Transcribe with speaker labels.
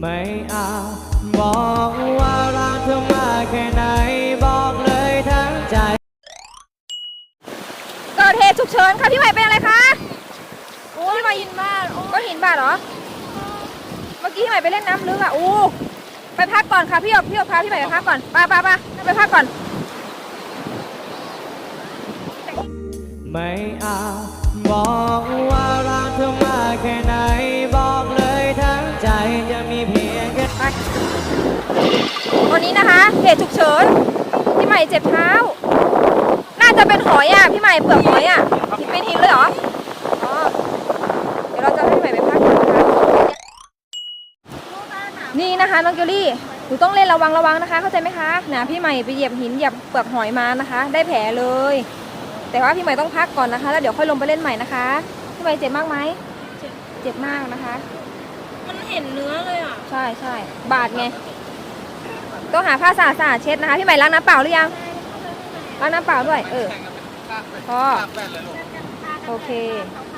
Speaker 1: ไม่เอาบอกว่ารักเธอมากแค่ไหนบอกเลยทั้งใจ
Speaker 2: เกิดเหตุฉุกเฉินค่ะพี่ใหม่เป็นอะไรคะโอ้ยมาหินบาดก็หินบาดเหรอเมื่อกี้พี่ใหม่ไปเล่นน้ำลึกอ่ะอู้ไปพักก่อนค่ะพี่พาพี่ใหม่ไปพักก่อนไปพักก่อน
Speaker 1: ไม่เอาบอกว่ารักเธอมากแค่ไหนบอกเลยทั้งใจจะมีเพียงแค่
Speaker 2: ไปตอนนี้นะคะเหตุฉุกเฉินพี่ใหม่เจ็บเท้าน่าจะเป็นหอยอ่ะพี่ใหม่เปลือกหอยอ่ะเป็นหินเลยเหรออ๋อเดี๋ยวเราจะให้พี่ใหม่ไปพักก่อนนะคะนี่นะคะน้องเกลลี่หนูต้องเล่นระวังนะคะเข้าใจไหมคะนะพี่ใหม่ไปเหยียบหินเหยียบเปลือกหอยมานะคะได้แผลเลยแต่ว่าพี่ใหม่ต้องพักก่อนนะคะแล้วเดี๋ยวค่อยลงไปเล่นใหม่นะคะพี่ใหม่เจ็บมากไหมเจ็บมากนะคะ
Speaker 3: มันเห็นเนื้อเลยอ่ะ
Speaker 2: ใช่บาดไงต้องหาผ้าสะอาดเช็ดนะคะพี่ใหม่ล้างน้ำเปล่าหรือยังล้างน้ำเปล่าด้วยพอโอเค